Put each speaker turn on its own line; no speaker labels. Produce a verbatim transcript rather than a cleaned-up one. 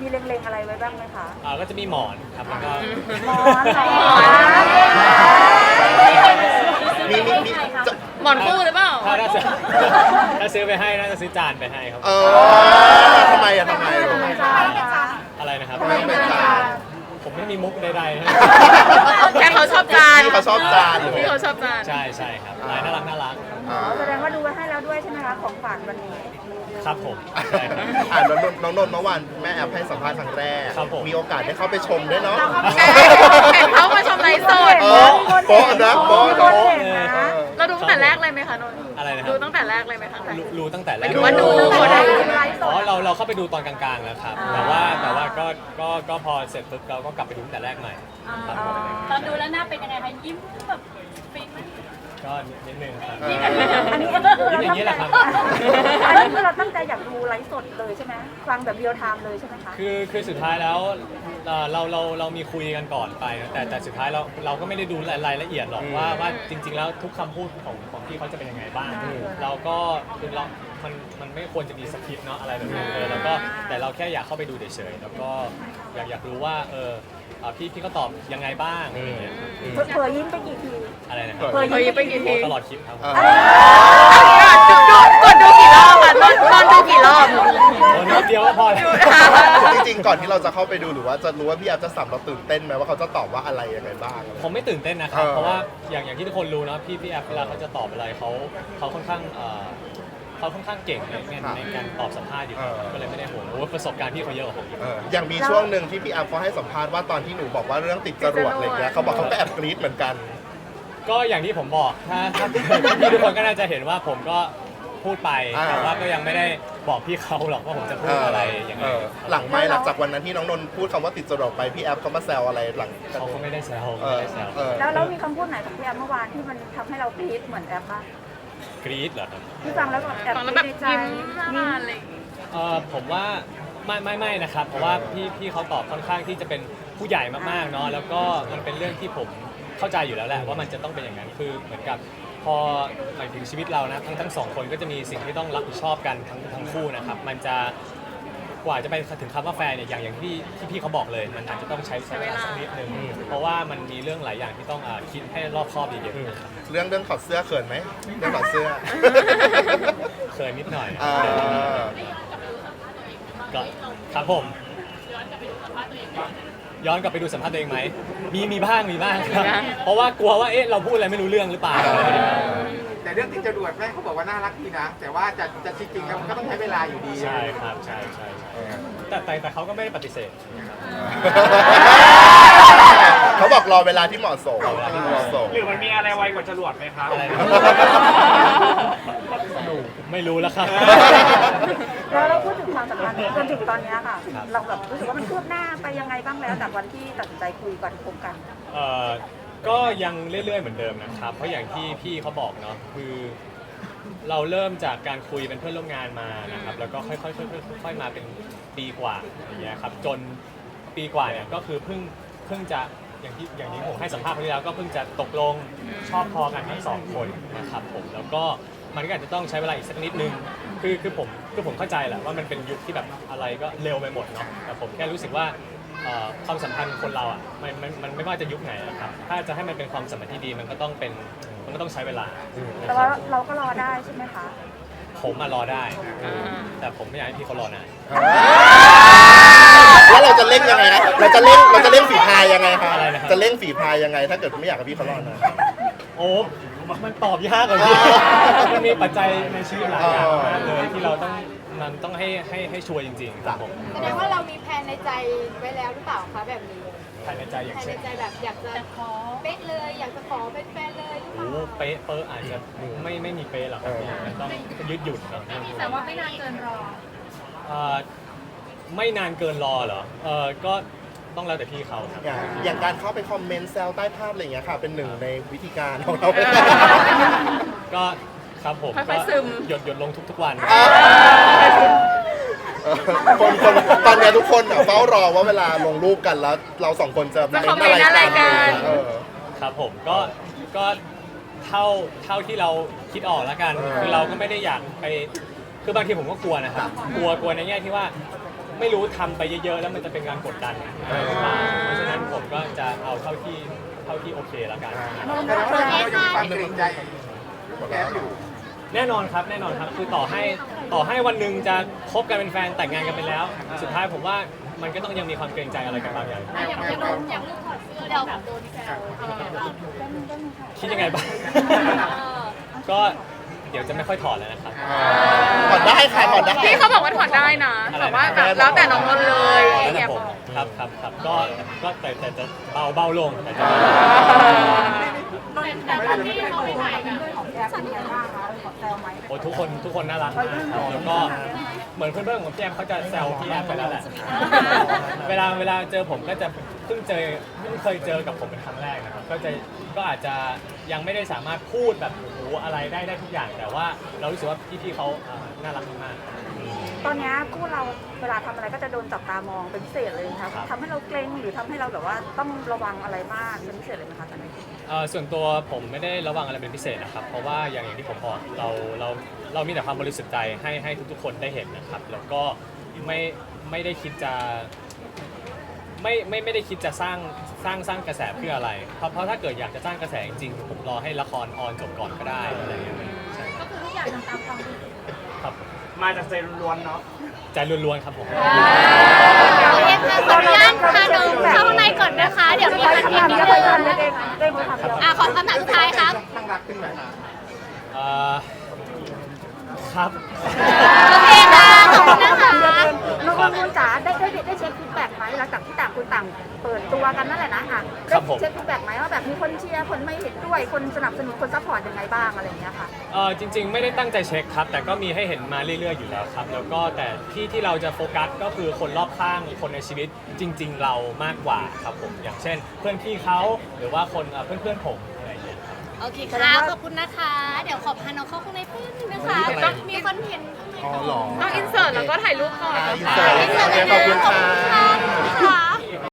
มีเล็งๆอะไรไว้บ้างไหมคะ
อ่าก็จะมีหมอนครับแล้วก็
หมอนหมอน
มีมีมีจะ
หมอนคู่หรือเปล่า
ถ้าถ้าซื้อถ้าซื้อไปให้น่าจะซื้อจานไปให้ครับ
เออทำไมอะทำไม
อะไรนะครับ
ทำไมเป็นจาน
ผมไม่มีมุกใดๆนะ
แค่เขาชอบจาน
ที่เขาชอบจานอยู่
ที่เขาชอบจาน
ใช่ใช่ครับลายน่ารักน่ารัก
อ่า
แสดงว่าดูไว้ให้แล้วด้วยใช่ไหมคะของฝากวันนี้
ครับผมใช่ครับ
อ่านน้องนนท์น้องนนท์เมื่อวานแม่แอปให้สัมภาษณ์ครั้งแรก
ครับผม
มีโอกาสได้เข้าไปชมด้วยเนาะ
ใช่เห็นเขามาชมไลฟ์สด
เออโป๊ะนะโป๊ะ
โป๊ะ
โป๊ะ
เห็นนะ
เราดูตั้งแต่แรกเลยไหมคะนนท์
อะไรนะครับ
ดูตั้งแต่แรกเลยไหมคะ
รู้รู้ตั้งแต่แร
หมาย
ก
ถึงว่าดู
ดูได้ไลฟ์ส
อ๋อ
ด
เราเราเข้าไปดูตอนกลางๆแล้วครับ แต่ว่าแต่ว่าก็ก็ก็พอเสร็จปุ๊บเราก็กลับไปดูตั้งแต่แรกใหม่ครับผม
ตอนดูแล้วหน้าเป็นยังไงคะยิ้มแบบฟินไหม
ก็นิดนึงครับ
เออ
อันนี้
ยิ้มอย่างนี้แหละครับ
อันนี้คือเราตั้งใจอยากดูไลฟ์สดเลยใช่ไหมฟังแบบเรียลไทม์เลยใช่ไหมคะ
คือคือสุดท้ายแล้วเอ่อเราเราเรามีคุยกันก่อนไปนะแต่แต่สุดท้ายเราเราก็ไม่ได้ดูรายละเอียดหรอกว่าว่าจริง ๆ แล้วทุกคำพูดของของพี่เขาจะเป็นยังไงบ้าง เราก็คือเรา มันมันไม่ควรจะมีสคริปต์เนาะอะไรแบบนี้เออแล้วก็แต่เราแค่อยากเข้าไปดูเฉยๆแล้วก็อยากอยากรู้ว่าเอออ่าพี่พี่เขาตอบยังไงบ้างอะไรอย่างเงี้ย
เผยยิ้มไปกี่ที
อะไรนะครับ
เผย
เฮ้ย
ยิ้ม
ไปกี่ที
ตลอดคลิปครับผม
เออ
กดดูกี่รอบค่ะนนท์นนท์ดูกี่รอบ
โอ้นิดเดียวก็พอแล้ว
จริงๆก่อนที่เราจะเข้าไปดูหรือว่าจะรู้ว่าพี่แอฟจะสัมเราตื่นเต้นไหมว่าเขาจะตอบว่าอะไรยังไงบ้าง
ผมไม่ตื่นเต้นนะครับ
เออ
เพราะว่าอย่างอย่างที่ทุกคนรู้เนอะพี่พี่แอฟเวลาเขาจะตอบอะไรเขาเขาค่อนข้างเอ่อเขาค่อนข้างเก่งในในในการตอบสัมภาษณ์อยู่แล้วก็เลยไม่ได้ห่วงโอ้ประสบการณ์พี่เขาเยอะกว่าผมอีก
เอออย่างมีช่วงหนึ่งที่พี่แอฟเขาให้สัมภาษณ์ว่าตอนที่หนูบอกว่าเรื่องติดจรวดอะไรเงี้ยเขาบอกเขาก็แอบกรี๊ดเหมือนกัน
ก็อย่างที่ผมบอกถ้าถ้าพี่ทุกคนก็น่าจะเห็นว่าผมก็พูดไป
อ่า
แต่ว่าก็ยังไม่ได้บอกพี่เขาหรอกว่าผมจะพูดอะไรยังไง
เออหลังไม่หลังจากวันนั้นที่น้องนนท์พูดคำว่าติดจรวดไปพี่แอฟเขามาแซวอะไรหลัง
เขาก็ไม่ได้แซว
เอ
ไม่
อ
ได้แซว
เออ
แล้วแล้วมีคำพูดไหนของพี่แอมเมื่อวานที่มันทำให้เรากรี๊ดเหมือนแอมบ้าง
กรี๊ดเหรอครับ
ที่ฟังแล้วแบบแอบ
ฟัง
ก
แล้ว
รี๊
แบ
ด
บ
ในใจ
ยิ้มหน้าบานอะไรอย่างงี้
เออผมว่าไม่ไม่ไม่นะครับ เพราะว่าพี่พี่เขาตอบค่อนข้างที่จะเป็นผู้ใหญ่มากๆเนาะแล้วก็มันเป็นเรื่องที่ผมเข้าใจอยู่แล้วแหละว่ามันจะต้องเป็นอย่างนั้นคือเหมือนกับพอหมายถึงชีวิตเรานะทั้งทั้งสองคนก็จะมีสิ่งที่ต้องรับผิดชอบกันทั้งทั้งคู่นะครับมันจะกว่าจะไปถึงคำว่าแฟนเนี่ยอย่างอย่างที่ที่พี่เขาบอกเลย มันอาจจะต้องใช้เวลาสักนิดนึงเพราะว่ามันมีเรื่องหลายอย่างที่ต้องอ่าคิดให้รอบคอบเยอะๆนะครับ
เรื่องเรื่องถอดเสื้อเขินไหมเรื่องถอดเสื้อ
เคยนิดหน่อย
เออ
ก็ครับผมย้อนกลับไปดูสัมภาษณ์ตัวเองไหมมีมีบ้างมีบ้างครับ
มีบ้าง
เพราะว่ากลัวว่าเอ๊ะเราพูดอะไรไม่รู้เรื่องหรือเปล่าอะไรอย่างเงี้ย
แต่เรื่องติดจรวดแม่เขาบอกว่าน่ารักดีนะ แต่ว่าจะจะจริงๆแล้วมันก็ต้องใช้เวลาอยู่ดี
ใช่ครับใช่ใช่ใช่แต่แต่แต่เขาก็ไม่ได้ปฏิเสธ
เขาบอกรอเวลาที่เหมาะสม
รอเวลาที่เหมาะสม
หรือมันมีอะไรไวกว่าจรวดไหมครับ
อะไรนะไม่รู้แล้วครับ
แล้วเราพูดถึงความสัมพันธ์จนถึงตอนเนี้ยค่ะ
ครับ
เราแบบรู้สึกว่ามันคืบหน้าไปยังไงบ้างแล้วจากวันที่ตัดสินใจคุยก่อนคบกัน
เอ่อก็ยังเรื่อยๆเหมือนเดิมนะครับ เพราะอย่างที่พี่เขาบอกเนาะคือเราเริ่มจากการคุยเป็นเพื่อนร่วมงานมานะครับ แล้วก็ค่อยๆค่อยๆค่อยๆมาเป็นปีกว่าอย่างเงี้ยครับจนปีกว่าเนี่ยก็คือเพิ่งเพิ่งจะอย่างที่อย่างที่ผมให้สัมภาษณ์ครั้งที่แล้วก็เพิ่งจะตกลงชอบพอกันทั้งสองคนนะครับผมแล้วก็มันก็อาจจะต้องใช้เวลาอีกสักนิดนึงคือคือผมคือผมเข้าใจแหละว่ามันเป็นยุคที่แบบอะไรก็เร็วไปหมดเนาะแต่ผมแค่รู้สึกว่าเอ่อความสัมพันธ์คนเราอ่ะมันมันมันไม่ว่าจะยุคไหนอะครับถ้าจะให้มันเป็นความสัมพันธ์ที่ดีมันก็ต้องเป็นมันก็ต้องใช้เวลา
แต่ว่าเราก็รอได้ใช่ไหมคะ
ผมมารอได้ แต่ผมไม่อยากให้พี่เขารอนาน
แล้วเราจะเล่นยังไงนะเราจะเล่นเราจะเล่นฝีพายยังไงคะ
อะไรนะครับ
จะเล่นฝีพายยังไง ถ้าเกิดไม่อยากให้พี่เขารอดนะ
โอ้มันตอบยากกว่านี้มันมีปัจจัยในชีวิตหลายอย่างมากเลยที่เราต้องมันต้องให้ให้ให้ชัวร์จริงๆครับผม
แสดงว่าเรามีแผนในใจไว้แล้วหรือเปล่าคะแบบนี้
ภายในใจอย่าง
แผนใน
เช่น
ใจแบบอยากจะขอเป๊ะเลยอยากจะขอเป็นแฟนเลยหรือเป
โอ้
ล่า
เป๊ะเป๊ะอาจจะไม่ไม่มีเป๊ะหรอกครับมันต้องยืดหยุ่นครับ
แต่ว่าไม่นานเกินรอ
เอ่อไม่นานเกินรอเหรอเออก็ต้องแล้วแต่พี่เขาครับ
อย่างอย่างการเข้าไปคอมเมนต์แซวใต้ภาพอะไรอย่างเงี้ยค่ะ เป็นหนึ่งในวิธีการของเรา
ก็ครับผม
ค่
ก็
อยๆซึม
หยดหยดลงทุกๆวัน
เออคนคนตอนเนี้ยทุกคนอะเฝ้ารอว่าเวลาลงรูปกันแล้ว เราสองคนจะ
จะคอมเมนต์อะไรกัน
เออ
ครับผมก็ก็เท่าเท่าที่เราคิดออกแล้วกัน
เออ
คือเราก็ไม่ได้อยากไปคือบางทีผมก็กลัวนะครับกลัวกลัวในแง่ที่ว่าไม่รู้ทำไปเยอะๆแล้วมันจะเป็นการกดดันอะไรหรือเปล่าเพราะฉะนั้นผมก็จะเอาเท่าที่เท่าที่โอเคแล้วกัน
แต่ว่าเรายังมีความเกรงใจแก๊ปอยู่
แน่นอนครับแน่นอนครับคือต่อให้ต่อให้วันหนึ่งจะคบกันเป็นแฟนแต่งงานกันไปแล้ว สุดท้ายผมว่ามันก็ต้องยังมีความเกรงใจอะไรกันบางอย่าง
อย่างอย่างโดนอย่างลูกถอดเสื้อเราแบบโดนแซว
คิดยังไงบ้าง ก็เดี๋ยวจะไม่ค่อยถอดแล้วนะครับ
ถอดได้ค่ะถอดได้
พี่เขาบอกว่าถอดได้นะแต่ว่าแบบแล้วแต่น้องนนท์เลย
แล้ว
แอ
แต่
บ
ผมครับครับครับก็ก็แต่แต่จะเบาเบาลงแต่จะ
แต่ตอนที่เขาไปถ่ายกัน
ของแอฟเป็นไงบ้างคะขอแซวไหม
โอ้ทุกคนทุกคนน่ารักมากครับแล้วก็เหมือนเพื่อนๆของพี่แอมเขาจะแซวพี่แอมไปแล้วแหละ เวลาเวลาเจอผมก็จะเพิ่งเจอเพิ่งเคยเจอกับผมเป็นครั้งแรกนะครับก็จะก็อาจจะยังไม่ได้สามารถพูดแบบโอ้โหอะไรได้ได้ทุกอย่าง แต่ว่าเรารู้สึกว่าพี่ๆเขาเอ่อน่ารักมาก
ตอนนี้คู่เราเวลาทำอะไรก็จะโดนจับตามองเป็นพิเศษเลยนะคะทำให้เราเกรงหรือทำให้เราแบบว่าต้องระวังอะไรมากเป็นพิเศษเลยไหมคะตอนนี้
ๆเอ่อส่วนตัวผมไม่ได้ระวังอะไรเป็นพิเศษนะครับ เพราะว่าอย่างอย่างที่ผมบอกเราเราเรามีแต่ความบริสุทธิ์ใจให้ให้ทุกๆคนได้เห็นนะครับ แล้วก็ไม่ไม่ได้คิดจะ ไม่ไม่ไม่ได้คิดจะสร้างสร้างสร้างกระแสเพื่ออะไร เพราะเพราะถ้าเกิดอยากจะสร้างกระแสจริงๆผมรอให้ละครออนจบก่อนก็ได้อะไรอย่างเงี้ยใช่
ก็คือทุกอย่างทำตามความรู้สึก
ครับ
มาจากใจล้วนๆเนาะ
ใจล้วนๆครับผม
โอเคค่ะขออนุญาตพาน้องเข้าข้างในก่อนนะคะ เดี๋ยวมีคำถาม
เย
เย
อะ
อะ
ไป
เลย
ทำเยอะเองเองทำเยอะ
อ่ะขอคำถามสุดท้ายครับ
ข้างรักขึ้นไหม
เอ่อครับ
โอเคค่ะขอบคุณนะคะ
น้องนุ่นจ๋าได้ได้ได้เช็คฟีดแบ็กไหมหลังจากที่ต่างคนต่างเปิดตัวกันนั่นแหละนะอ่ะได้เช็คฟีดแบ็กไหมว่าแบบมีคนเชียร์คนไม่เห็นด้วยคนสนับสนุนคนซัพพอร์ตยังไงบ้างอะไรอย่างเงี้ยค่ะ
เออจริงๆ ไม่ได้ตั้งใจเช็คครับ แต่ก็มีให้เห็นมาเรื่อยๆอยู่แล้วครับ แล้วก็แต่ที่ที่เราจะโฟกัสก็คือคนรอบข้างคนในชีวิตจริง ๆ เรามากกว่าครับผมอย่างเช่น เพื่อนพี่เขาหรือว่าคนเอ่อเพื่อนๆผมอะไรอย่างเงี้ยครับ
โอเคค่ะขอบคุณนะคะ เดี๋ยวขอพาน้องเข้าข้างในเพื่อนนึงนะคะ
มีอะไร
มีคอนเทนต์ข้างใน
อ๋อเหรอ
ต้องอินเสิร์ตแล้วก็ถ่ายรูปก่อน
อ่าอินเสิร์ตโอเคขอบคุณค่ะ
ค่ะ